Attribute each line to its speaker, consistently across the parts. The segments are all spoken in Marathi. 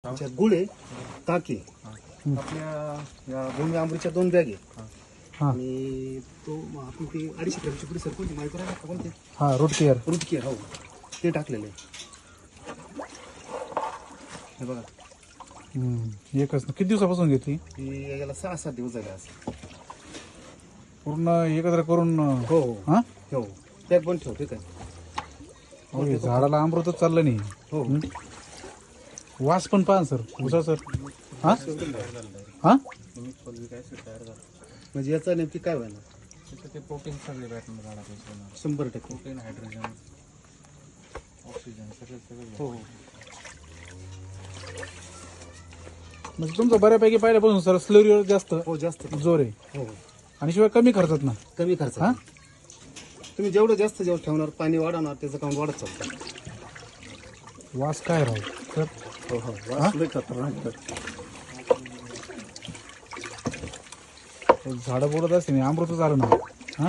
Speaker 1: त्याच्यात गुळ आहे, ताक आहे, आपल्या या भूमी आंबरीच्या 2 बॅग आहे आणि तो आपण ते 250 ग्रॅमची पुडी सर कोणती माहिती राहिला कोणते
Speaker 2: रूट केअर
Speaker 1: हो ते टाकलेलं आहे. हे बघा
Speaker 2: एकच किती दिवसापासून घेतली
Speaker 1: ही याला 6-7 दिवस झाले असं
Speaker 2: पूर्ण एकत्र करून
Speaker 1: हो हो
Speaker 2: हा
Speaker 1: हो पॅक पण ठेवते काय
Speaker 2: होय, झाडाला अमृतच चाललं नाही.
Speaker 1: हो
Speaker 2: वास पण पाहा सर उसा सर हा हा
Speaker 1: म्हणजे याचा नेमकी काय व्हायला
Speaker 3: ते प्रोटीन सगळे भेटणार झाडापासून
Speaker 1: 100%
Speaker 3: प्रोटीन हायड्रोजन ऑक्सिजन सगळे
Speaker 1: हो हो
Speaker 2: म्हणजे तुमचं बऱ्यापैकी पहिल्यापासून सर स्लरीवर जास्त
Speaker 1: हो जास्त
Speaker 2: जोर आहे
Speaker 1: हो
Speaker 2: आणि शिवाय कमी खर्चात ना.
Speaker 1: कमी खर्च
Speaker 2: हा
Speaker 1: तुम्ही जेवढं जास्त जेवढं ठेवणार पाणी वाढवणार त्याचं काम वाढत चालतं.
Speaker 2: वास काय राहू सर
Speaker 1: हो हो वास लय खतरनाक आहे.
Speaker 2: झाडं बोलत असते नाही अमृत झालं ना. हा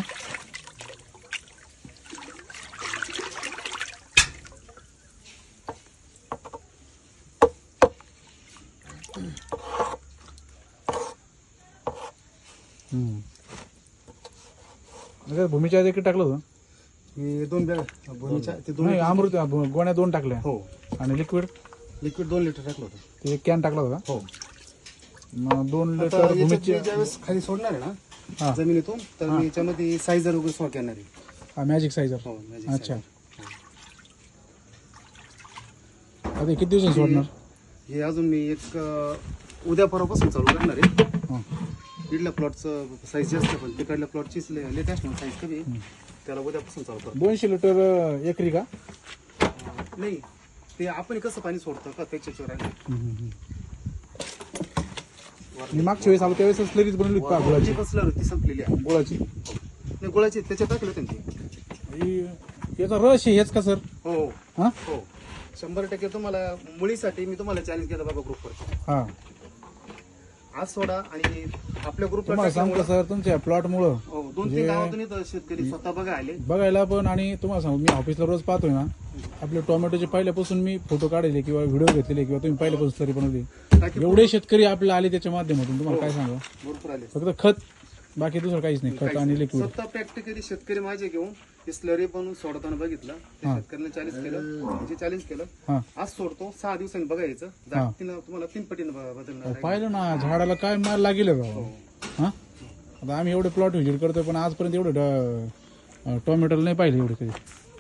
Speaker 2: भूमीच्या आधी किती टाकलं होतं
Speaker 1: हे 2 बॅग भूमीच्या ते 2
Speaker 2: नाही अमृत गोण्या 2 टाकल्या
Speaker 1: हो
Speaker 2: आणि लिक्विड
Speaker 1: लिक्विड 2 लिटर टाकलं होतं.
Speaker 2: ते 1 कॅन टाकला होता
Speaker 1: हो
Speaker 2: मग 2
Speaker 1: आता
Speaker 2: लिटर
Speaker 1: याच्यात
Speaker 2: भूमीचे
Speaker 1: मी ज्यावेळेस खाली सोडणार आहे
Speaker 2: हा.
Speaker 1: ना जमिनीतून तर मी याच्यामध्ये सायझर वगैरे सोड करणार आहे.
Speaker 2: मॅजिक सायझर
Speaker 1: हो मॅजिक
Speaker 2: अच्छा
Speaker 1: सायझर.
Speaker 2: आता हे किती दिवसांनी सोडणार
Speaker 1: हे अजून मी एक उद्या परवापासून चालू करणार आहे.
Speaker 2: हा.
Speaker 1: इथल्या प्लॉटचं साईज जास्त पण तिकडल्या प्लॉटचीच लेटेस्ट म्हणून साईज कमी आहे. त्याला उद्यापासून चालू करतो.
Speaker 2: 200 लिटर एकरी का
Speaker 1: नाही ते आपण कसं पाणी सोडतो का त्याच्यावर आहे.
Speaker 2: मी मागच्या वेळेस आलो त्यावेळेस स्लरीज बनवली होती का
Speaker 1: गुळाची
Speaker 2: गुळाची
Speaker 1: कसलं होती संपलेली आहे.
Speaker 2: गुळाची
Speaker 1: नाही गुळाची त्याच्यात टाकलं त्यांची
Speaker 2: ही- याचा रस आहे हेच का सर
Speaker 1: हो
Speaker 2: हा
Speaker 1: हो 100% तुम्हाला मुळीसाठी मी तुम्हाला चॅलेंज केलं बघा ग्रुपवर
Speaker 2: हा
Speaker 1: आज सोडा आणि आपल्या ग्रुपला
Speaker 2: तुम्हाला सांगतो सर तुमच्या प्लॉटमुळं
Speaker 1: 2-3 गावातून इथं शेतकरी स्वतः बघा आले.
Speaker 2: बघायला पण आणि तुम्हाला सांगू मी ऑफिसला रोज पाहतोय ना आपले टोमॅटोचे पहिल्यापासून मी फोटो काढले किंवा व्हिडिओ घेतलेले किंवा तुम्ही पहिल्यापासून स्लरी बनवली
Speaker 1: बाकी
Speaker 2: एवढे शेतकरी आपल्याला आले त्याच्या माध्यमातून तुम्हाला काय सांगा
Speaker 1: भरपूर आले.
Speaker 2: फक्त खत बाकी दुसरं काहीच नाही खत आणि लिक्विड
Speaker 1: स्वतः प्रॅक्टिकली शेतकरी माझे घेऊन ते स्लरी बनवून सोडताना बघितलं ते शेतकऱ्यांना चॅलेंज केलं म्हणजे चॅलेंज केलं
Speaker 2: हा
Speaker 1: आज सोडतो 6 दिवसांनी बघायचं तुम्हाला 3 पटीनं बदलणार आहे.
Speaker 2: पाहिलं ना झाडाला काय मार लागेल राव हा आता आम्ही एवढे प्लॉट व्हिजिट करतोय पण आजपर्यंत एवढं टोमॅटोला नाही पाहिले एवढे कधी